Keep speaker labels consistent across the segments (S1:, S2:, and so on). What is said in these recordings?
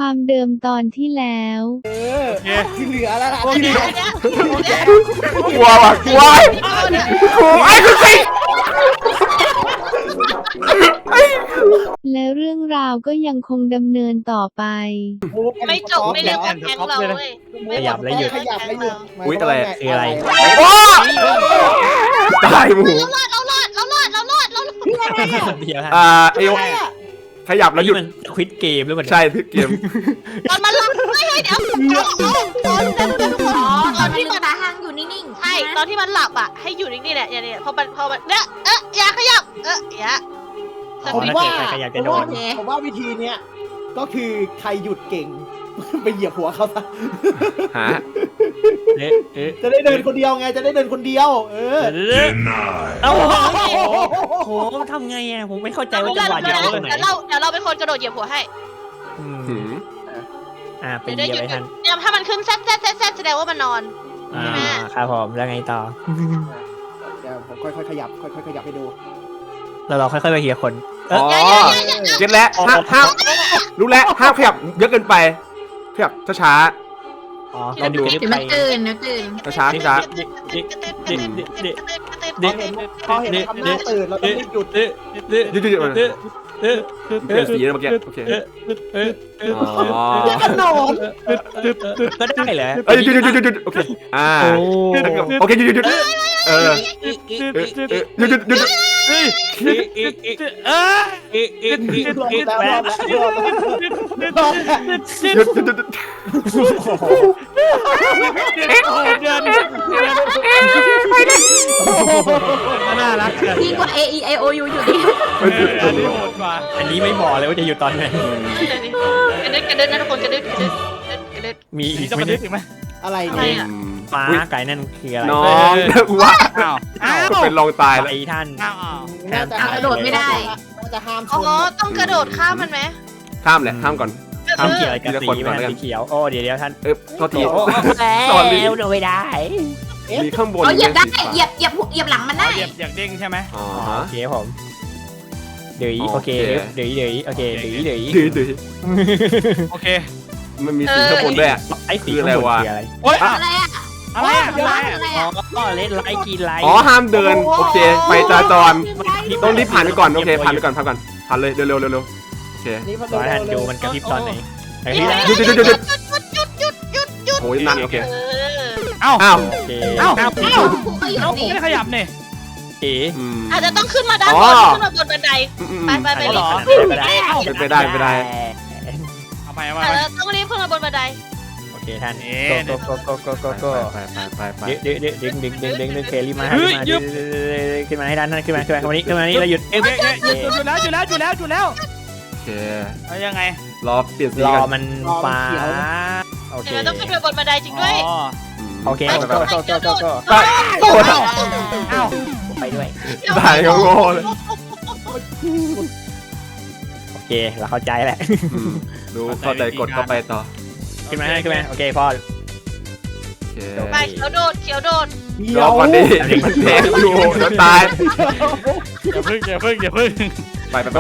S1: ความเดิมตอนที่แล้ว
S2: ที่เหลือแล้วล่ะ
S3: โอเค
S4: กลัวว่ะกลัวครูไอ้คือสิ
S1: และเรื่องราวก็ยังคงดำเนินต่อไป
S5: ไม่จบไม่เรียกว่าแก๊งเราเว้ย
S3: ขยับแล้วหยุด
S2: ขยับแล้วหยุด
S4: อุ๊ยอะไร
S3: คืออะไร
S4: โอ้ตายหมู
S5: เรารอด
S3: เดียวฮะ
S4: ไอ้ขยับแล้วหยุด
S3: มันควิดเกมหรือเปล่า
S4: ใช่ทึกเกม
S5: ตอนมันหลับไม่เดี๋ยวตอนที่มัน
S6: ตาหางอยู่นิ่งๆ
S5: ใช่ตอนที่มันหลับอ่ะให้อยู่นิ่งๆเนี่ยเนี่ยพอมันเนี่ยอย่าขยับอย่า
S2: ผมว่า
S3: ขยับจะโดน
S2: ผมว่าวิธีเนี้ยก็คือใครหยุดเก่ง ไปเหยียบหัวเขาซะ
S4: ฮะ
S2: จะได้เดินคนเดียวไงจะได้เดินคนเดียว
S3: เอ้าโหทำไงอ่ะผมไม่เข้าใจว่าจังหวะเดียวตรงไหน
S5: เดี๋ยวเราเป็นคนกระโดดเหยียบหัวให้
S3: ไปเหยียบไปทัน
S5: เนี่ยถ้ามันขึ้นแซดแสดงว่ามันนอน
S3: ครับผมแล้วไงต่อ
S2: เดี๋ยวผมค่อยๆขยับค่อยๆขยับให้ดู
S3: เราค่อยๆไปเฮียคน
S4: อ๋อเก็ตแล้วห้ามรู้แล้วห้ามขยับเยอะเกินไปขยับช้า
S3: อ๋อเราดู
S6: เดี๋ยวมันตื่นเดี๋ยวตื่น
S4: ช้าช้า
S2: พอเห็นทำหน้าตื่นเราต้องรีบหยุด
S4: หยุดเปลี่ยนสีเมื่อกี้โอเคอ๋อ
S2: กระโดด
S3: ก็ได้เหรอ
S4: เอ้ยหยุดโอเคโอเคหยุดหยุดหยุด
S3: น่ารัก
S6: ดีกว่า A E I O U อยู่ดิ
S3: อันนี้โหดกว่าอันนี้ไม่บอกเลยว่าจะอยู่ตอนไหน
S5: กระเด็นนะทุกคนกระเด็น
S3: มีจะมาดึกถึงไหม
S2: อะไร
S5: อะไร
S2: เนี่ย
S5: อ่ะ
S3: ฟ้าไก่นั่นคืออะไร
S4: น้องว่าเป็นลองตายแล้ว
S3: ไอ้ท่าน
S6: กระโดดไม่ได้
S2: น่าจะห้ามช
S5: อ๋อน ต้องกระโดดข้ามมันไหม
S4: ข้ามแหละข้ามก่อน
S3: ท่านเกี่ยวอะไรกับสีมันสีเขียวโอ้เดี๋ยวท่าน
S4: โทษที
S3: สอนลิ้วโดนไม่ได้
S4: มีข้างบน
S6: เหยียบได้เหยียบหลังมันได้
S3: อยากเด้งใช่ไหม
S4: อ๋อ
S3: โอเคผมเดี๋ยวโอเคเดี๋ยวโอเคเดี๋ยว
S4: ดื้อ
S3: โอเค
S4: มันมีสีข้างบนด้วยอ่ะ
S3: ไอ้สีคืออะไร
S6: โอ๊ยอะไรอ่ะ
S3: อะไร
S6: อะไรอ่ะ
S3: อ๋อเล่นไลกินไล
S4: อ๋อห้ามเดินโอเคไฟจราจรต้องรีบผ่านไปก่อนโอเคผ่านไปก่อนผ่านเลยเร็วโอเค
S2: นี่พัด
S3: ขอท่านดูมันกระพริบตอนไหน
S5: หยุด
S4: โอ้ยนั่นโอเค
S3: อ้าว
S4: โอเค
S6: ผมก็อยู่นี่
S3: ไม่ขยับเนี่ยเอ๋
S5: อาจจะต้องขึ้นมาด้านบนขึ้นมาบนบันไดไป
S4: เป็นไปได้
S3: เอาไป
S5: อาจจะต้องรีบขึ้นมาบนบันได
S3: โอเคท่านโก
S4: ไป
S3: ดึงเคลี่มาขึ้นมาให้ด้านนั้นขึ้นมาวันนี้เราหยุดอยู่แล้ว
S4: โอเค
S3: แล้วยังไง
S4: รอเปลี่ยนสี
S3: รอ
S4: กัน
S3: มันฟ้าโอเค
S5: ต้องขึ้นมาบนบันไดจริงด้วย
S3: โอเคก็ไปด้วย
S4: ได้ก็โง่เลย
S3: โอเคเราเข้าใจแหละ
S4: ดูเข้าใจกดเข้าไปต่อ
S3: ขึ้นมาโอเคพอ
S4: โอเค
S5: ไปเขียวโดด
S4: รอก่อนดิมันแทงอยู่แล้วตาย
S3: อย่าพึ่ง
S4: ไป
S3: ก็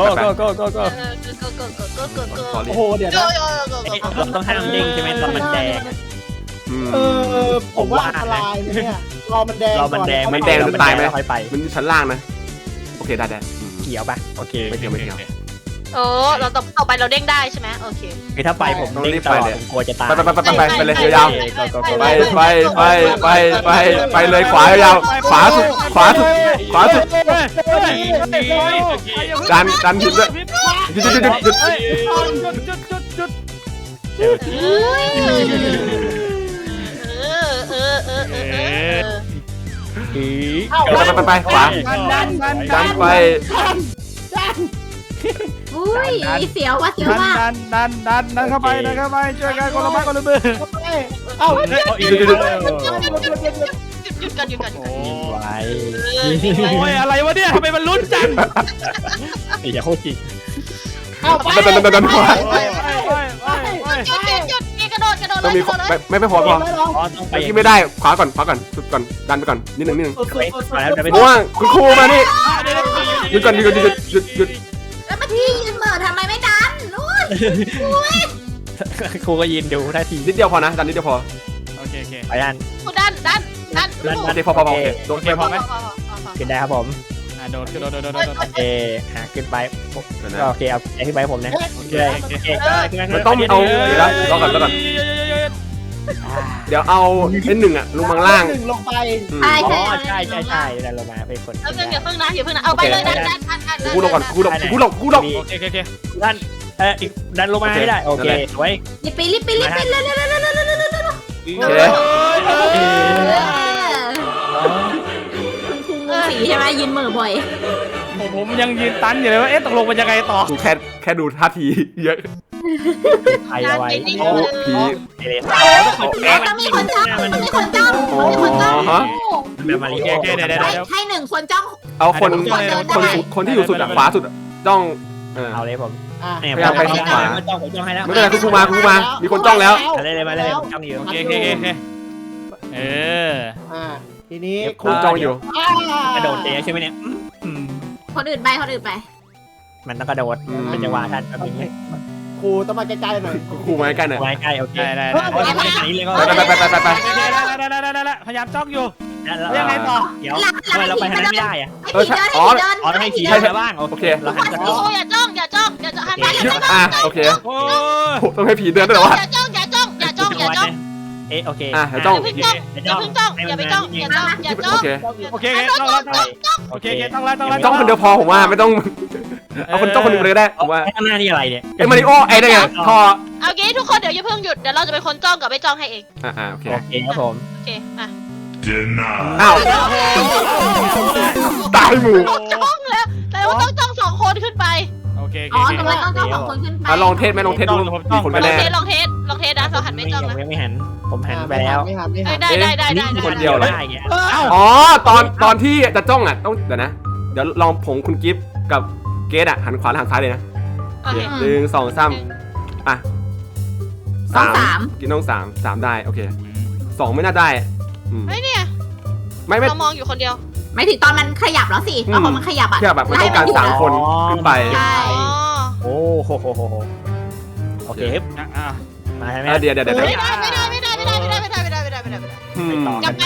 S2: โอ้โหเดี๋ยวนะ
S3: เราต้องห้ามเด้งใช่ไหมตอนมันแดง
S2: ผมว่าอันตรายเนี่ยรอมันแดง
S3: มันแดง
S4: มันตายไหม
S3: ค่อยไป
S4: มันชั้นล่างนะโอเคได้
S3: เขียวป่ะโอเค
S4: ไม่เกี่ยว
S5: โอ้เราต่อไปเราเด้งได้ใช่ไหมโอเค
S3: คือถ้าไปผมเด้งตลอดผมกลัวจะตาย
S4: ไปเลยยาวไปเลยขวายาวขวาสุดดันหินด้วยหยุดไปขวาดันไป
S6: อุ้ยเสียวว่ะ
S3: ดันเข้าไปช่วยกันคนละไม้คนละมือ
S2: เอ้า
S5: หยุดกัน
S3: ไว้โอ้ยอะไรวะเนี่ยทำไมมันลุ้นจังอย่าโคตรจริง
S2: เอาไป
S4: ดันขวา
S5: หยุดกระโดด
S4: ต้องมีไม่พอ
S3: ต้องไป
S4: เมื่อกี้ไม่ได้ขวาก่อนสุดก่อนดันไปก่อนนิดนึง
S3: แล้วไป
S4: ม่วงคุณครูมานี่หยุด
S6: แล้วเมื่อกี้ยืนเหม่อทำไมไม่ดันนู้น
S3: ครูก็ยืนดูท่าที
S4: นิดเดียวพอนะดันนิดเดียวพอ
S7: โอเคโอเค
S3: ไปด้าน
S5: คุณดัน
S4: นิดเดียวพอโอเคโดน
S7: โอเคพอไหม
S3: ขึ้นได้ครับผม
S7: โดดขึ้นโดด
S3: โอเคหาขึ้นไปก็โอเคเอาขึ้นไปผมนะโอเคโอเค
S4: มันต้องเอาเดี๋ยวนะรอก่อนเดี๋ยวเอาเป็นหนึ่งอะลงมาล่าง
S2: หนึ่งลงไป
S6: ใช่
S3: อ๋อ
S6: ใช่
S3: ใช่ดันลงมาเป็นคน
S5: แล้วอย่าเพิ่งนะเอาไปเลยดัน
S4: กูลงก่อนกูลง
S7: โอเคโอเค
S3: ด้านอีกดันลงมาให้ได้โอเคสวย
S6: รีบไปเร็ว
S4: โอเค
S6: คุณครูสีใช่ไหมยืนเหม่อบ่อย
S7: ผมยังยืนตันอยู่เลยว่าตกลงมันยังไงต่อ
S4: กูแค่ดูท่าทีเยอะ
S3: ใครเอาไว้
S4: โอ้ผี
S3: เอเลส
S6: ต้องมีคนจ้องมีคนจ้องมีคนจ้อง
S3: แบบมาลี
S7: โอเคเดี๋ยว
S6: ให้หนึ่งคนจ้อง
S4: เอาคนที่อยู่สุดอะขวาสุดจ้อง
S3: เอาเลยผม
S4: พยายามไปทางขวา
S3: จ้องผมจ้องให้แล้ว
S4: ไม่เป็นไรคุณมามีคนจ้องแล้ว
S3: อะไรเลยมาเลยผมจ้องอยู่
S7: โอเคเออ
S2: ทีนี้
S4: คุณจ้องอยู่
S3: กระโดดเตะใช่ไหมเนี่ย
S6: คนอื่นไป
S3: มันต้องกระโดดเป็นจังหวะท่านแบบนี้
S2: ครูต้องมาใกล้ๆหน่อย
S4: ครูมาใกล้หน่อย
S3: ไว้ใกล้โอเค
S7: ได้
S3: นี้เลยก็
S4: ไป
S7: ได้พยายามจ้องอยู่
S3: ยังไงต่อเดี๋ยวทำไมเราไปทางนั้นไม่ได้อะ
S6: ให้ผีเดิน
S3: อ๋อให้ขี่ได้บ้างโอเคเราหันจะ
S5: โอ้อย่าจ้องหันไปอย่าจ้อง
S4: โอเค
S7: โอ้
S4: ต้องให้ผีเดินด้วยเหรอวะ
S5: อย่าจ้อง
S3: เอ๊ะโอเค
S5: อย่าไปจ้อง
S4: โอเค
S7: โอเคต้องแล้ว
S4: จ้องคนเดียวพอผมว่าไม่ต้องเอาคนจ้องคนนึงเลยก็ได้ผมว่า
S3: ข้างหน้านี่อะไรเนี่ย
S4: ไอ้มาริโอไอ้ได้ไงพอ
S5: เอางี้ทุกคนเดี๋ยวอย่าเพิ่งหยุดเดี๋ยวเราจะเป็นคนจ้องกับไม่จ้องให้เอง
S4: โอเค
S3: โอเคครับผม
S5: โอเคอ่ะ
S4: อ้าวตายหมู่
S5: จ้องแล้วแต่ว่าต้องจ้อง2 คนขึ้นไป
S7: โอเค
S6: อ๋อทำไมต้องจ้อง2 คนขึ้นไป
S4: ลองเทสไหมลองเทสดูมีคนไปแน่
S5: ลองเทสนะเราหันไม่จ้องนะ
S3: ยังไม่หันผมหันไปแล้ว
S2: ไม่หัน
S5: ได้
S4: คนเดียวเลย
S3: ได้เงี้ย
S4: อ๋อตอนที่จะจ้องอ่ะต้องเดี๋ยวนะเดี๋ยวลองผงคุณกิฟต์กับเกดอ่ะหันขวาหันซ้ายเลยนะ
S5: โอเค
S4: 1 2 3อ่ะ3กินต้อง3ได้โอเค2ไม่น่าได้
S5: เฮ้ยเนี่ย
S4: ไม่
S5: เรามองอยู่คนเดียว
S6: ไม่ถึงตอนมันขยับแล้วสิตอนมันขยับอ่ะ
S4: แค่แบบไม่ต้องการ3 คนขึ้นไป
S6: ใช่
S3: โอ้โหโอเคมาใช่ไหม
S4: เดี๋ยว
S5: ไม่ได้ กลับไป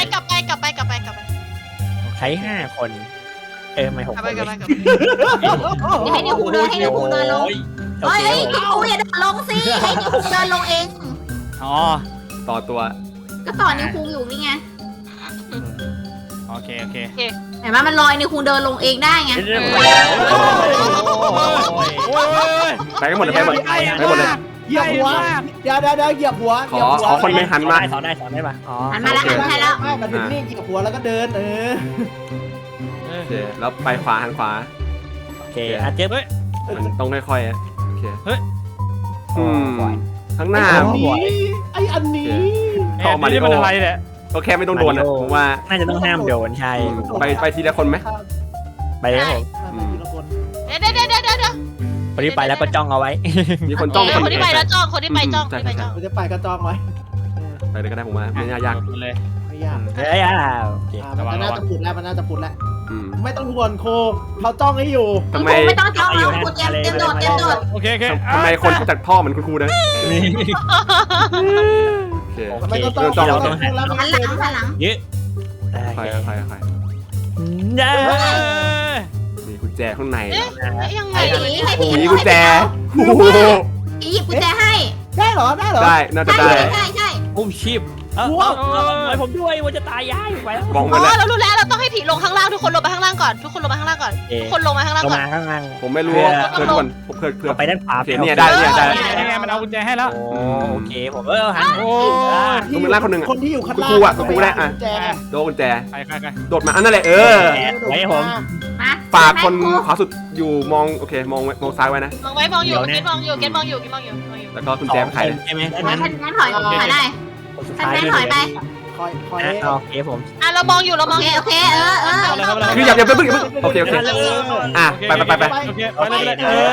S3: ใช้5 คนไม่6 คน
S6: ให้นิวคูเดินลงเฮ้ยนิวคูอย่าเดินลงสิให้นิวคูเดินลงเอง
S7: อ๋อ
S4: ต่อตัว
S6: ก็ต่อนิวคูอยู่นี่ไง
S7: โอเค
S6: เห็นไหมมันลอยนิวคูเดินลงเองได้ไง
S4: ไปกันหมดเลยไปหมดเลย
S2: เหยียบหัวเดี๋ยวเหยียบหัว
S4: ขอคนนึงหันมา
S3: สอนได้ป่ะอ๋อ
S6: หันมาแล้วหันแล้ว
S2: ไม่มาถึงนี่เหยียบหัวแล้วก็เดิน
S4: โอเคแล้วไปขวาหันขวา
S3: โอเคอาเจ็บ
S4: มันต้องค่อยๆโอเคข้างหน้า
S2: อันนี้
S7: เข้ามาที่มันอะไรเนี่ย
S4: ก็แค่ไม่ต้องโดนนะผมว่า
S3: น่าจะต้องห้ามโดนใช่
S4: ไปทีละคนไหม
S3: ไปเลยผม
S2: ทีละคน
S5: เดี๋ยว
S3: คนที่ไปแล้วก็จ้องเอาไว้
S4: มีคนจ้อง
S5: คนที่ไปแล้วจ้องคนที่ไปจ้อง
S2: มันจะไปก็จองไว้
S4: ไปเลยก็ได้ผมว่าไม่ยาก
S7: เลย
S2: ไม่ยาก
S3: เฮ้ยโอเค
S2: มันน่าจะปุดแล้วไม่ต้องห่วงโคเขาจ้องให้อยู่
S4: ทำไม
S6: ไม่ต้องจ้องแล้วคูเตรียมโดด
S7: โอเค
S4: ทำไมคนจากท่อเหมือนคุณครูนะโอเค
S2: ไม่ต้องจ้องเราต้องหันหลัง
S6: หันหลัง
S3: ยืด
S4: ค่อย
S3: ย้า
S4: มีกุญแจข้างใน
S5: ยังไง
S6: ให้ผี
S4: มีกุญแจ
S6: หยิบกุญแจให้
S2: ได้เหรอ
S4: ได้น่าจะได้
S6: ใช่
S3: อุ้มชีพไว้ผมด้วยว่าจะตายย้ายไปแล้ว
S4: มอง
S5: อ๋
S4: มาแล้ว
S5: อเรารู้แล้วเราต้องให้ผีลงข้างล่างทุกคนลงไปข้างล่างก่อนทุกคนลงมาข้างล่างก่อนทุกคนลงมาข้างล่าง
S3: ลง
S5: ก่อน
S3: มาข้างล่าง
S4: ผมไม่รู้เพื่อนผมเพื่อน
S3: ไปด้านขวา
S4: โอเคเนี่ยได้
S7: ยังไงมันเอากุญแจให้แล้ว
S3: โอเคผมหัน
S7: โอ้
S2: คนที่อยู่ข้างล่าง
S4: โดนกุญแจ
S7: ใคร
S4: โดดมาอันนั่นแหละ
S3: ไว้ผม
S6: มา
S4: ฝากคนขวาสุดอยู่มองโอเคมองซ้ายไว้นะ
S5: มองไว้มองอยู่เกตมองอยู่
S4: แล้วก็กุญแจไข
S3: ใช่ไหม
S6: งั้นถอยได้
S3: สุด
S6: งั้
S3: ท้าย
S6: นถอยไป
S2: คอย
S3: โอเคผม
S5: อ่ะเรามองอยู่
S6: โอเค
S4: คืออย่าเพิ่งโอเคอ่ะไป
S7: โอเคไปเลย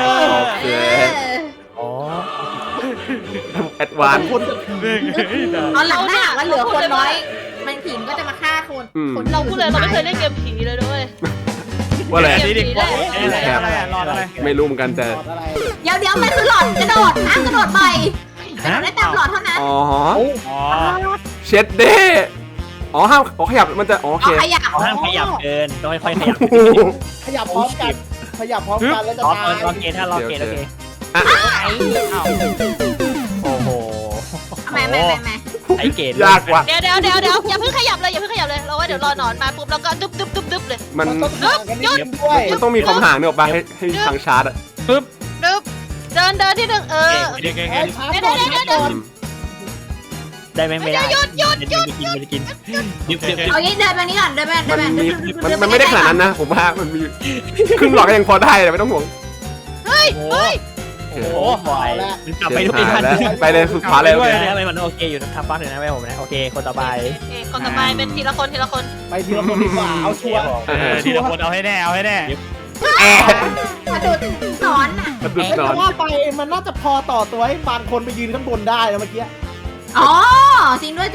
S3: อ๋อ
S4: แอดวานซ์
S2: คน
S6: ตอนหลังถ้าหากว่าเหลือคนน้อยมันผีก็จะมาฆ่าคน
S5: เราพูดเลยเราไม่เคยเล่นเกมผีเลยด้วย
S4: ว่าอะไร
S7: อะไรรอดอะไร
S4: ไม่รู้เหมือนกันแต่
S6: เดี๋ยวมันคือหลอดกระโดดกระโดดไปกระโดดได้ตามหลอดเท่านั้น
S4: อ๋อ
S7: อ๋อ
S4: เช็ดเด้อ๋อห้ามขยับมันจะโอเค
S6: เอาขยับ
S3: ห้ามขยับเกินต้องค่อยๆขยับ
S2: ขยับพร้อมกันขยับพร้อมกันแล้วจะ
S3: ล็อก
S2: ตาย
S3: ล็อกเกตถ้าล็อกเกตโอเค
S4: อ่ะ
S3: โอ้โห
S6: แม่
S3: ไอเกต
S4: ยากว่ะ
S5: เดี๋ยวอย่าเพิ่งขยับเลยเราว่าเดี๋ยวรอหนอนมาปุ๊บแล้วก็ดึบเลย
S4: มัน
S2: ต้องห่างกันนิดนึงด้วย
S4: มันต้องมีความห่างเนี่ยออกมาให้ทางชาร์จอ่ะ
S5: ดึบเดินที่หนึ่ง
S7: เดี๋ยว
S2: เอ้ยชาร์จก่อนชาร์จก่อน
S3: ได้ไหมไม่ได้หยุดไม่ได้กินดิบ
S6: เอางี้เดินมานี้ก่อนเดินไป
S4: มันไม่ได้ขนาดนั้นนะผมว่ามันมีครึ่งหลอดก็ยังพอได้แต่ไม่ต้องห่วง
S5: เฮ้ย
S7: โอ้
S5: เฮ้ย
S7: โห
S3: ปล่อยมันกลับไปทุกทัน
S4: ไปเลยสุดขวาเลย
S3: ทำไมมันโอเคอยู่ทำฟักเลยนะไม่ผมนะโอเคคนต่อไป
S5: คนต่อไปเป็นทีละคน
S2: ไปทีละคนดีกว่าเอาชัวร์
S7: ทีละคนเอาให้แน่เอาให้แน่
S6: มาดูหนอนอ่ะ
S4: กระดุดน
S2: แต่
S4: อน
S2: ว่าไปมันน่าจะพอต่อตัวให้บางคนไปยืนข้างบนได้แล้วเมื่อกี้
S6: อ๋อจริงด้วย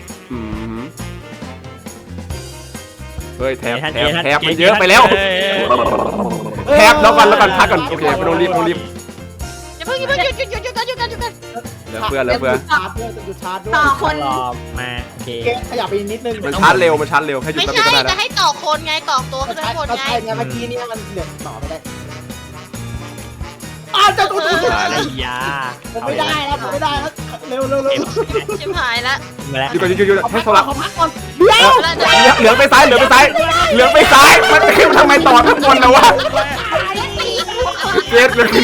S4: เฮ้ยแทบมันเยอะไปแล้วแทบแล้วกันพักก่อนโอเคไม่ต้องรีบ
S5: อย่าเพิ่งหยุดกัน
S4: เหลือเพื่อน
S2: ชาร์จด้วยจุดชาร์จด้วย
S6: ต่อคน
S3: รอมาโอเค
S2: เกขยับไปนิดนึง
S4: มันชาร์จเร็วแค่หยุด
S5: ไม่
S4: แป๊บ
S5: ใช่
S4: เดียวก็ได้
S5: จะ
S4: แล้ว
S5: ให้ต่อคนไงต่อตัวขึ้นไปข้างบน
S2: ก็
S5: ไง
S2: ใช่ไงเมื่อกี้เนี่ยมันเดี๋ยวต่อไม่ได้จะตัว
S3: อะไรยา
S2: ผมไม่ได้แล้วเร็ว
S5: ชิบหายละ
S3: มาแล้ว
S4: หยุดให้โซล่า
S2: ขอพักก่อน
S4: เหลืองไปซ้ายมันขึ้นทำไมต่อข้างบนแล้ววะเกตเลยคือ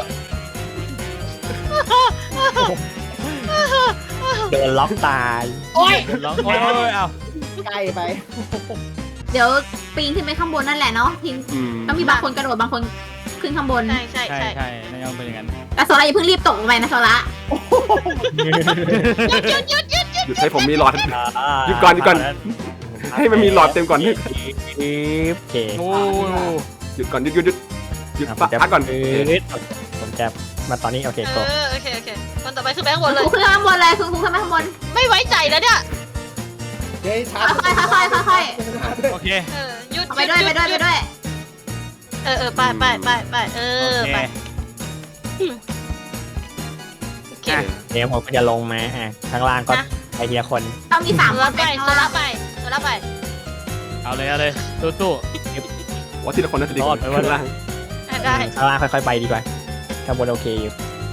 S3: โดนล็อกตาย
S2: โอ้ย
S7: ร้องโอ้ยเอา
S2: ใกล้ไป
S6: เดี๋ยวปีนขึ้นไปข้างบนนั่นแหละเนาะทีมต้องมีบางคนกระโดดบางคนขึ้นข้างบน
S5: ใช่
S7: ใช่น่าจะเป็นอย่างนั้น
S6: แต่โซล่าอย่าเพิ่งรีบตกลงไปนะโซล่า
S4: หยุดให้ผมมีหลอด หยุดก่อน ให้มันมีหลอดเต็มก่อน
S3: โอเค
S7: โอ้
S4: หยุดก่อนหยุดพักก่อน
S3: ผมจะมาตอนนี้โอเคโก
S5: โอเคคนต่อไปคือแบงค์บนเลย
S6: คุณขึ้นข้างบนเลยคุณขึ้นไปข้างบน
S5: ไม่ไว้ใจแล้วเนี่ย
S2: เฮ้ยชาร์จ
S6: ค่อย
S7: โอเค
S5: หยุด
S6: ไปด้วย
S5: ไปไปไปไปโอเค
S3: เดี๋ยวผมก็จะลงมาข้างล่างก็ไปทีละคน
S6: ต้องมี3
S5: โซ
S6: ค
S5: ล่าน ไปโซล่าไป
S7: เอาเลยสู้
S4: ว่าทีละคนน่าจะดีกว่าข้างล่าง
S5: ได้
S3: ข้างล่างค่อยๆไปดีกว่าข้างบนโอเคอยู่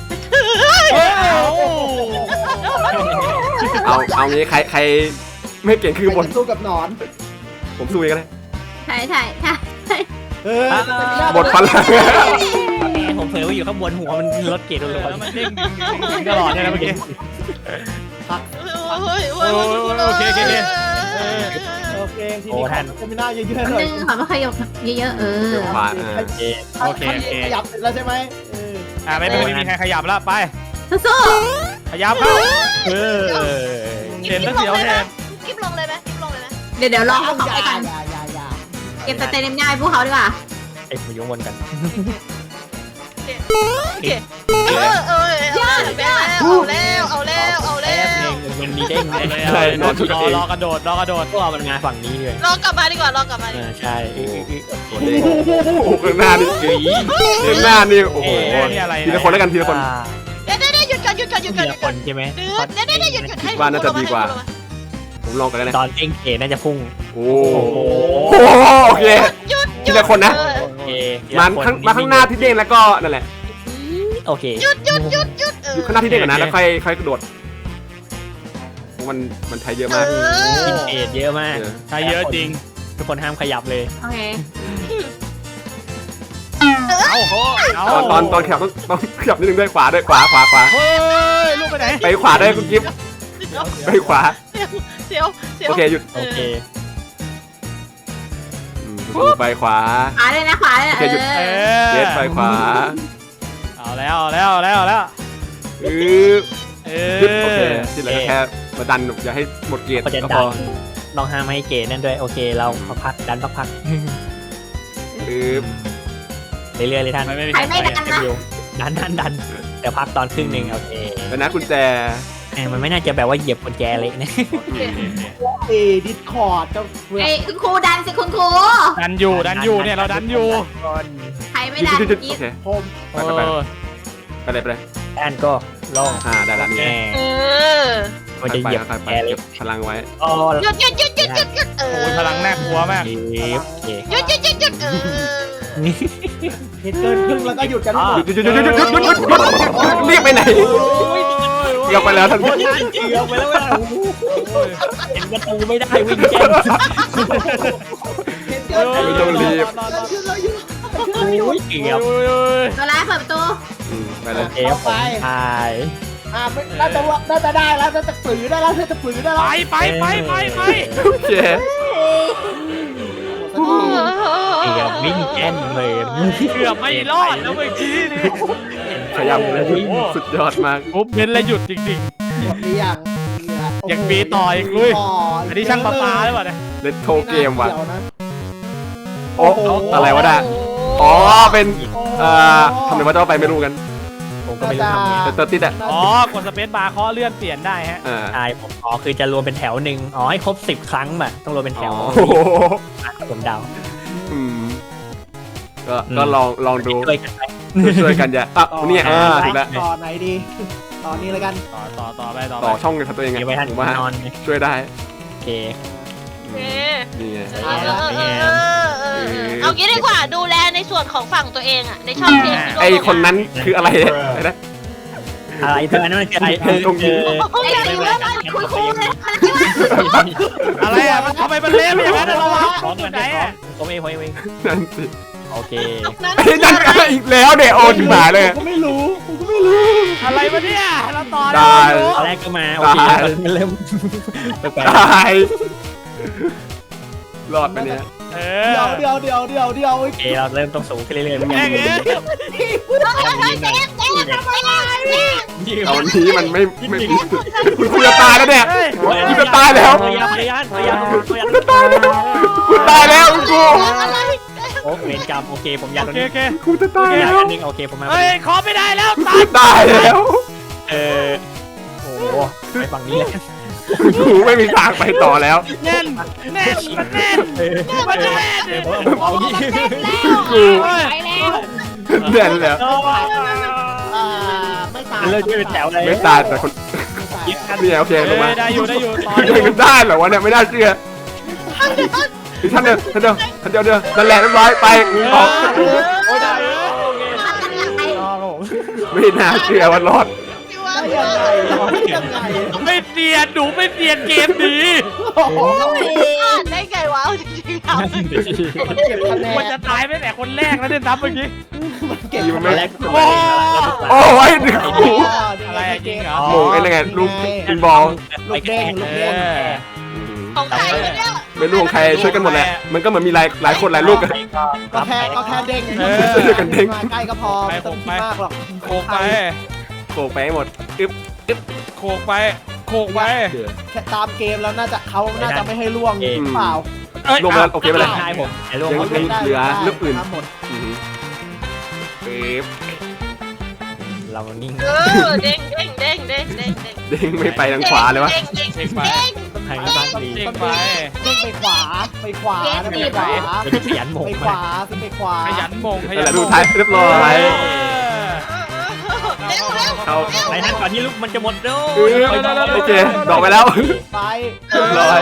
S4: เอางี้ใครไม่เก่งขึ้นบน
S2: สู้กับหนอน
S4: ผมสู้เองก็ได้
S6: ใช่
S4: หมดพลัง
S3: ผมเผลอว่าอยู่ข้างบนหัวมันลดเกรดลง
S7: แล้วมันเด้งตลอดเลยนะเมื่อกี้
S2: โอเคทีนี้จะไม่น่าเยอะๆเลย
S6: นึงขอมาขยับเยอะๆ
S4: ขวา
S7: โอเค
S2: ขยับเสร็จแล้วใช่ไหม
S7: ไม่มีใครขยับแล้วไป
S6: สู้
S7: ขยับเข้า
S5: กิ๊บลงเลยไหม
S6: เดี๋ยวรอเขาไปกัน
S2: อย่า
S6: เก็บสเตเนมง่ายพวกเขาดีกว่า
S3: ไอ้ผมยุ่งวนกัน
S5: โอเคเอาแล้ว
S3: มันมีเด้ง
S7: รอกระโดด
S3: ก็มันงานฝั่งนี้เลย
S5: รอกลับมาดีกว่า
S3: ใช่
S4: โอ้โหข้างหน้านี่โอ้โหทีละคนแล้วกันทีละคน
S5: เดี๋ยวหยุดก่อน
S3: ทีละคนใช่ไหม
S5: เดี๋ยวหยุดให้
S4: ว่าน่าจะดีกว่า ผมลองกันแล้วนะ
S3: ตอนเด้งเกน่าจะพุ่ง
S4: โอ้โอเคทีละคนนะ
S3: โอเค
S4: มาข้างหน้าที่เด้งแล้วก็นั่นแหละ
S3: โอเค
S5: หยุด
S4: อยู่ข้างหน้าที่เด้งก่อนนะแล้วค่อยกระโดดมันใช้เยอะมาก
S3: กินเกตเยอะมาก
S7: ใช่เยอะจริง
S3: ทุกคนห้ามขยับเลย
S6: โอเค
S4: ตอนขยับต้องขยับนิดนึงด้วยขวา
S7: เฮ้ยลูกไปไหน
S4: ไปขวาได้คุณกิฟต์ไปขวา
S5: เสียว
S4: โอเคหยุด
S3: โอเค
S4: ไปขวา
S6: ขวาเลยนะ
S4: เย็ดไปขวา
S7: เอาแล้ว
S4: โอเคที่เหลือแค่มาดันอย่าให้หมดเกียร์
S3: ก็จะดันลองห้ามให้เกตนั่นด้วยโอเคเราพักดันพักเรื่อยๆเลยท่าน
S6: ใครไม่ดันนะ
S3: ดันเดี๋ยวพักตอนครึ่งหนึ่งโอเค
S4: แล้วนะกุญแจ
S3: มันไม่น่าจะแบบว่าเหยียบกุญแจเลยนะ
S2: ดิสคอร์ดเจ้าเพื่อน
S6: ไอ้คุณครูดันสิคุณครู
S7: ดันอยู่เนี่ยเราดันอยู่
S6: ใครไม่ดัน
S4: โอเค
S2: ผม
S4: ไปเลย
S3: ด้านก็
S4: ไ
S3: ลง
S4: ได้ละนี่
S3: แง่
S5: เออ
S3: มันจะเหยียบ
S4: ค่อยๆไป
S3: แกเลย
S4: เก็บพลังไว้
S3: อ๋อ
S5: หยุดหยุดหยุดหยุดหยุดหยุดเออ
S7: โอ้ยพลังน่ากลัวมาก
S3: เหยียบโอเค
S5: หยุดหยุดหยุดหยุดเออ
S2: เห็นเกินครึ่งแล้วก็หยุดกัน
S3: อ๋อ
S2: หมด
S4: หยุดเรียกไปไหนเรียกไปแล้วท่าน
S3: โอ้ยเกือบไปแล้วเห็นประตูไม่ได้วิ่งแจ้ง
S4: ไม่ต้องรีบ
S3: โอ้ยเกือบ
S6: ตัวร้ายเปิดประตู
S4: ไปเลย
S3: เอฟผมตาย
S2: น่าจะได้แล้วน่าจะฝืนได้แล้วน่าจะฝืนได้
S7: ไป
S2: แล้ว
S7: ไป
S4: โอเค
S3: เกือบวิ่งแจ้งเลย
S7: เกือบไม่รอดแล้วเมื่อกี้นี่
S4: ขยับเลยสุดยอดมาก
S7: ปุ๊บเน้นและหยุดจริง
S2: หมดหรือยัง
S7: ๆยังปีต่ออีกลุยอันนี้ช่างประปาหรือเปล่าเนี่ย
S4: เลตโทเกมว่ะ
S2: ดี๋ยวนะ
S4: โอ้อะไรวะน่ะอ๋อเป็นทำไมว่าต้องไปไม่รู้กัน
S3: ผมก็ไม่รู้ทำไง
S4: แต่ตัวติดอ่ะ
S7: อ๋อกดสเปซบาร์เคาะเลื่อนเปลี่ยนได้ฮะ
S3: ใช่ผมอ๋อคือจะรวมเป็นแถวหนึ่งอ๋อให้ครบ10 ครั้งแบบต้องรวมเป็นแถว
S4: โอ้โห
S3: ผมเดา
S4: ก็ลองดู
S3: ช่วยกันไป
S4: ช่วยกันอย่าเนี่ยถูกแล้ว
S2: ต่อไหนดีต่อนี้เลยกัน
S7: ต่อไป
S4: ต่อช่องกันตัวเอง
S3: มีไว้ทัน
S4: ผมว่าน
S3: อนไง
S4: ช่วยได้
S3: โอเค
S5: โอเค
S4: นี่ไง
S5: เอางี้ดีกว่าดูแลในส่วนของฝั่งตัวเองอะในช่องเกม
S4: ไอคนนั้นคืออะไรเนี่ยนะ
S3: อะไรเธออันนั้นมันคืออะไรเธอ
S4: ตรงนี้
S6: ไอ้เรื่องมันคุยเลย
S7: อะไรอ่ะมันทำไมมันเละอย่างนั้นเราวะของอยู่ไหนอ่ะ
S3: ผมเอง
S4: นั่นสิ
S3: โอเค
S4: ไอ้นั่นอีกแล้วเนี่ยโอ้ถึงหมาเลย
S2: ผมก็ไม่รู้
S7: อะไรวะเนี่ยเราต่อ
S4: ได้
S3: ตอนแรกก็มาโอเคมันเริ่มแปลก
S4: ตายรอดไปเนี่ย
S7: เอ
S2: เดี๋ยว
S7: อ
S2: เดี๋ยว
S3: โอเคเราเริ่มต้องสูงขึ้นเรื่อยๆ
S7: แม่งเอ้ย
S4: เอาวันนี้มันไม่คุณจะตายแล้วเนี่ยคุณจะตายแล้ว
S3: พยายาม
S4: คุณตายแล้วกู
S3: โอ้เวรกรรมโอเคผมยัน
S7: โอ
S3: ตรง
S7: เค
S3: นี้
S7: โอเค
S4: กูจะตาย
S3: ยัน
S4: แล้ว
S3: อันนึงโอเคผมมา
S7: เฮ้ยขอไม่ได้แล้วตั
S4: กู
S7: ด
S4: ตายแล้ว
S3: โอ้ไปฝั่งนี้เลย
S4: กูไม่มีทางไปต่อแล้ว
S7: แน่นมันแน่นมันแน่น
S3: เอาดิ
S4: กู
S6: ไปแล้ว
S4: เด่นแล้ว
S2: ไม่ตาย
S3: เริ่มด้วยเป็นแถวเลย
S4: ไม่ตายแต่คนเนี่ยโอเคลงมา
S7: ได้อยู่ต่อ
S4: มันได้เหรอวะเนี่ยไม่น่าเชื่อท่านเดียวนั่นแหละเรียบร้อยไปออก
S3: โอ้ได้โอเค
S4: ไม่น่าเชื่อว่ารอด
S2: ยังไง
S7: ไม่เสียนหนูไม่เสียนเกมดี
S5: ได้ไงวะจริงๆ
S2: เก็บคะแน
S7: มัน
S2: น
S7: จะตายไปแต่คนแรกแล้วเนี่ยนับเมื่อกี้
S2: เก็บ
S3: ตอนแรก
S4: โอ้ยดึกกู
S7: อะไรจริงเหรอ
S4: โมงไอ้นั่นไงลูกกินบอล
S2: ลูกเด้งลูก
S7: เอ
S2: เด้ง
S7: อ
S5: ของใครวะเนี่ย
S4: ไม่รู้ของใครช่วยกันหมดแหละมันก็เหมือนมีหลายคนหลายลูกกัน
S2: ก็แค่เด้ง
S4: ช่วยกันเด้ง
S2: ใกล้ก็พอไม่ต้องคิดมากหรอก
S7: โขกไป
S4: โขกไปให้หมดอึ๊บ
S7: โขกไปโขกไป
S2: แค่ตามเกมแล้วน่าจะไม่ให้ล่วงหรือเปล่า
S4: ลงมาโอเคไปเลย
S3: ใช่ผมไอ้ลง
S4: ยังเหลือลูกอื่น
S2: หมด
S4: ปึ๊บ
S3: เรานิ่ง
S5: เด้งเด้งเด้งเด้งเด้งเด้ง
S4: เด้งไม่ไปทางขวาเลยวะ
S5: เด้งเด้ง
S7: เช็คไป
S3: ทางนี้บ้างดี
S7: เช็คไป
S2: เด้งไปขวาไปขวา
S3: เป็นขยันหมก
S2: ไปข
S3: มาว
S2: าขึ้นไปขวา
S7: ขยันมงข
S4: นั่น
S7: ยั
S4: แห
S7: น
S4: ละ
S7: ม
S4: ดู
S7: ง
S4: ท้ายเรียบร้อย
S5: เร็วเร็ว
S4: เขา
S3: ไปนั่นก่อนที่ลูกมันจะหมดด้
S4: โอเคดอกไปแล้ว
S2: ไป
S4: เรียบร้อย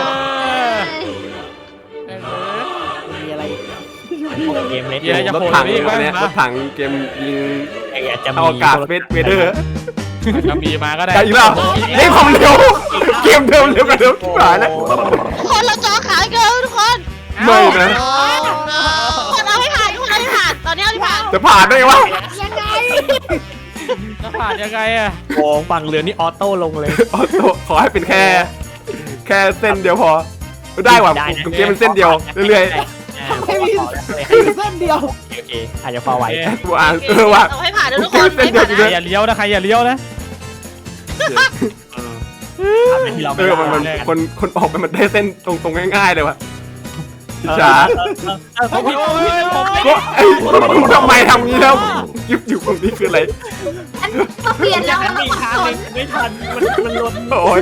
S2: มีอะไร
S3: เกมเล็ด
S7: เดี๋ยวจะ
S4: รถ
S7: โผล่
S4: ถัง
S7: ไปอีก
S4: อันเนี้ยร
S7: นะ
S4: ถถังเกมยิง
S3: จะ
S4: อวกาศเวเดอร์
S7: จะมีมาก็ได้
S4: ได้อีกแล้วเล่นความเร็วเกมเดิมเร็วกว่าเดิมหายแล้ว
S5: คนเราจอขาเกินทุกคน
S4: ไม่นะ
S5: คนเอาให้ผ่านทุกคนเอาให้ผ่านตอนนี้เอาให้ผ่าน
S4: จะผ่านได้ไงวะ
S7: จะผ่านยังไงอะ
S3: โอ้ฝั่งเรือนี่ออโต้ลงเลย
S4: ขอให้เป็นแค่เส้นเดียวพอได้ว่ะเกมเป็นเส้นเดียวเรื่อย
S2: ไม่มีเส้นเดียว
S3: โอเคอาจจะพอไหว
S4: ๆกูอ่านว่ะ
S5: เอาให้ผ่านนะทุกคน
S4: เส้นเดียวจริง
S7: ใครอย่าเลี้ยวนะใครอย่าเลี้ยวนะ
S3: ที่เรา
S4: คนออกไปมันได้เส้นตรงง่ายๆเลยว่ะช้า
S3: ผมผิด
S4: ก็ไอ้ทำไมทำงี้แล้วยุบอยู่ตรงนี้คืออะไร
S6: ก็เปลี่ยนแล้ว
S3: มัน
S6: เรา
S3: มี
S6: สับ
S3: ทาง
S6: ส
S3: ห
S6: น
S3: นึ่งไม่ทันมันล้น
S4: โอ้ย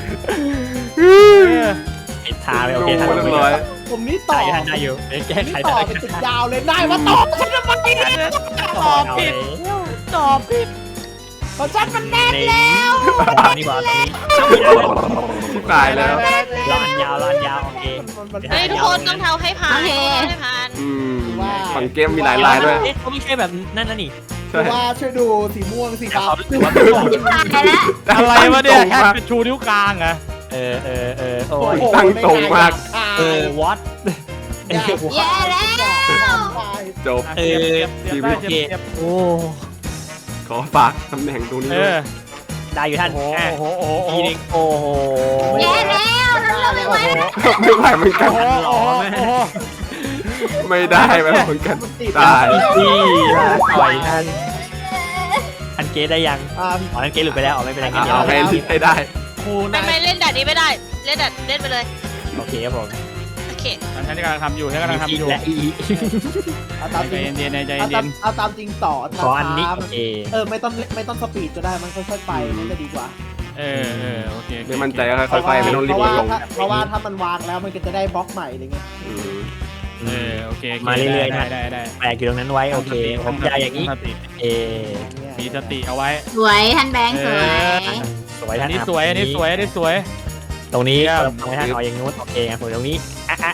S3: ผิดทางเลยโอเคทาง
S4: เรียบร้อย
S2: ผมนี่ต่อ
S3: ได้อยู่แก้ไข
S2: ต่อ
S3: ได้
S2: เป็นติดยาวเลยได้มาต่อฉันทำไม
S3: ตอบผิด
S2: ตอบผิดของฉันมันแน่นแล้ว
S3: ตรงนี้ก่อนตรงนี้
S4: ที่ตายแล้ว
S3: ลานยาวโอเค
S5: เฮ้ยทุกคนต้องเท้าให้ผ่านให้ผ่าน
S4: ฝั่งเกมมีหลายลายด้วย
S3: เขาไม่ใช่แบบนั่นนะนี่
S2: เพราะว่าช่วยดูสีม่วงสีฟ้า
S6: ตายแล้ว
S7: อะไรวะเนี่ยแค่เป็นชูนิ้วกลางอะ
S3: โอ้ย
S4: ตั้งตรงมาก
S3: วัด
S6: แย่แล้ว
S4: จบ
S7: ชีวิตเจ็บ
S3: โอ้
S4: ขอฝากตำแหน่งตรงนี้
S3: ได้อยู่ท่าน
S7: โอ้โห
S3: ทีนึงโอ้โห
S6: แย่แล้วเราไม่ไหว
S4: ไม่ไหวเหมือนกัน
S7: โอ้โห
S4: ไม่ได้ไหมเหมือนกันตาย
S3: พี่ปล่อยท่านอันเกตได้ยัง
S2: อ่า
S3: อ๋ออันเกตหลุดไปแล้วอ๋อไม่เป็นไรงั้นเดี๋ยว
S4: เอาให้ได้
S2: ครู
S5: ไม่เล่นด่านนี้ไม่ได้เล่นไปเลย
S3: โอเคครับผม
S5: โอเค
S7: ฉันกำลังทำอยู่
S3: และอี
S2: เอาตาม
S7: ใจ
S2: จริง
S7: เย็นใจเย็น
S2: เอาตามจริงต่อ
S3: ขออันนี้โอเค
S2: ไม่ต้องสปีดก็ได้มันค่อยๆไปมันจะดีกว่า
S7: โอเค
S4: ไม่มั่นใจก็ค่อยๆไม่ต้องรีบลง
S2: เพราะว่าถ้ามันวางแล้วมันก็จะได้บล็อกใหม่อะไรเงี้ย
S7: โอเค
S3: มาเรื่อยๆ
S7: ได้
S3: แปลกอยู่ตรงนั้นไว้โอเคผมจะอย่างนี้เอ
S7: มีสติเอาไว้
S6: สวยท่านแบงค์สวย
S3: สวย
S7: อั
S3: ท่าน น
S7: นี้สวยอันนี้สวยอันนี้สวย
S3: ตรงนี้ทำให้ท่านเอาอย่างนู้นโอเคผมตรงนี้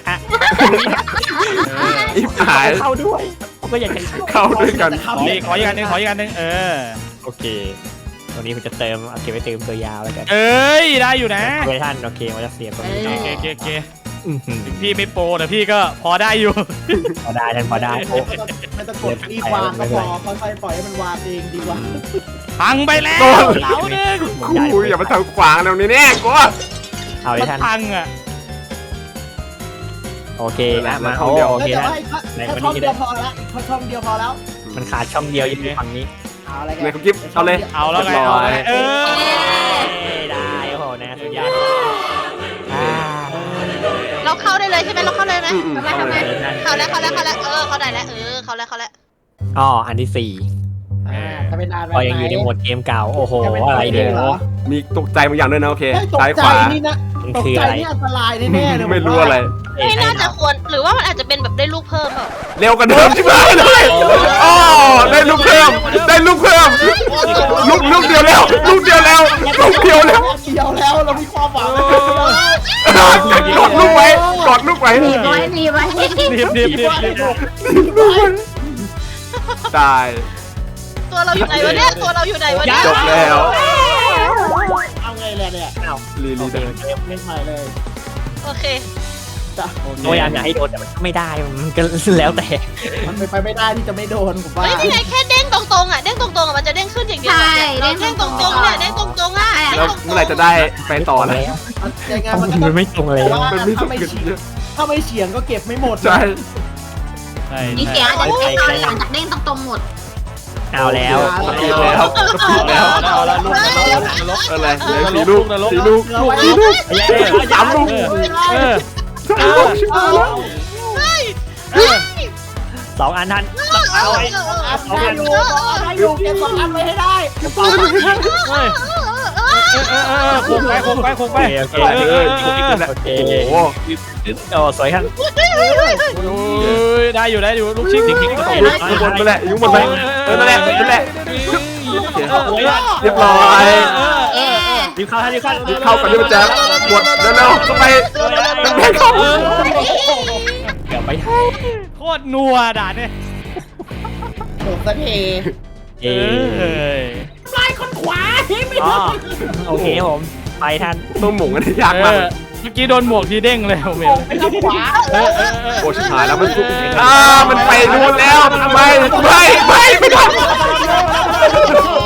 S4: อิบหาย
S3: เข้าด้วยผมก็อยากจะ
S4: เข้าด้วยกัน
S7: ขออีกอันนึง
S3: โอเคตรงนี้ผมจะเติมเอาเก็บไว้เติมตัวยาวแล้วกัน
S7: ได้อยู่นะ
S3: เวท่านโอเคมันจะเสียบตรงนี้
S7: โอเคพี่ไม่โปรแต่พี่ก็พอได้อยู่
S3: พอได้ท่านพอได้
S2: ไม่ต้องกดรีบวางก็พอค่อยๆปล่อยให้มันวางเองดีกว่า
S7: พังไปแล้วเหลาหนึ่ง
S4: ครูอย่ามาทำขวางตรงนี้แน่กู
S3: เอาเลยท่าน
S7: พังอ่ะ
S3: โอเคนะมาโอเค
S2: แต่
S3: ท่าน
S2: ว่าแค่ช่องเดียวพอแล้วช่องเดียวพอแล้ว
S3: มันขาดช่องเดียวอยู่ฝั่งนี้
S2: เอาอะไรกัน
S4: เนี่ยคุณกิ๊บเอาเลย
S7: เอาแล้วไง
S3: ได้โอ้โหนะสุดยอด
S5: เราเข้าได้เลยใช่ไหมเราเข้าเลยไหม
S6: ทำไม
S5: เข้าแล้วเข้าได้แล้วเข้าแล้วเข้าแล้ว
S3: อ๋ออันที่4
S2: ถ้าเป็นนาน
S3: ก็ยังอยู่ในโหมดเกมเก่าโอ้โหอะไรเดี๋ยว
S4: มีตกใจบางอย่างด้วยนะโอเค
S2: ตก
S4: ซ้าย
S2: ใจ
S4: ขวา
S2: นี่นะ
S3: มัน
S2: ตก
S3: คือ
S2: ใจ
S3: อะไร
S2: นี่อันตรายแน่ๆเลย
S4: ไม่รู้อะไร
S5: ไม่น่าจะควรหรือว่ามันอาจจะเป็นแบบได้ลูกเพิ่มเปล่า
S4: เร็วกันเดิมใช่ไหมเลยอ๋อได้ลูกเพิ่มลูกเดียวแล้วลูกเดียวแล้ว
S2: เรามีความหวัง
S4: กดลูกไว้
S6: หนีไว้หนีไว้
S4: ตาย
S5: ตัวเราอยู่ไหนวะเนี่ย
S4: จบแล้ว
S2: เอาไงเลยเนี่ย
S4: ลี
S3: โอเค
S2: เล่นใหม่เลย
S5: โอเค
S3: พยายามอยากให้โดนแต่มันไม่ได้มันก็แล้วแต่
S2: มันไปไม่ได้ที่จะไม่โดนผมว่า
S5: เฮ้ยนี่ไงแค่เด้งตรงๆมันจะเด้งขึ้นอย่างเดียวเด้งตรงๆเนี่ยเด้งตรงๆอ่ะ
S4: แล้วเมื่อไหร่จะได้ไปต่อแล้ว
S2: ยังไงมันก็
S3: มันไม่ตรงเลย
S4: มันมีสกิล
S2: ถ้าไม่เฉียงก็เก็บไม่หมด
S4: ใช่
S6: มีเสียงอาจจะให้ตอนหลังจากเด้งตรงหมด
S3: เอาแล้ว
S7: เอาละลูก
S4: อะไรสี่ลูก
S7: นรก
S4: 3 ลูก
S3: 2 อันท่านเอาไว้
S2: อยู่เก็บ2 อันไว้ให้ได้
S7: คงไป
S3: โอเคโอเค
S4: โอ้โห
S3: โอ้สวยครับ
S7: ได้อยู่ลูกชิง
S4: ยุบนไปแหละยุบนไปนั่นแหละเรียบร้อย
S3: รีบเข้าท่านรีบเข้า
S4: เข้ากันด้วยแจ๊บหมดเร็วๆเข้าไปเข้า
S3: เดี๋ยวไป
S7: โคตรนัวด่าเนี่ย
S2: โดดสักที ลายคนขวาไม่ได้
S3: โอเคผมไปท่าน
S4: ต้องหม่งกันยากมาก
S7: เมื่อกี้โดนหมวกทีเด้งเลยผมเห็น
S2: ไปทางขวา
S4: โอ้ชิบหายแล้วมันมันไปนู่นแล้วไม่ทำ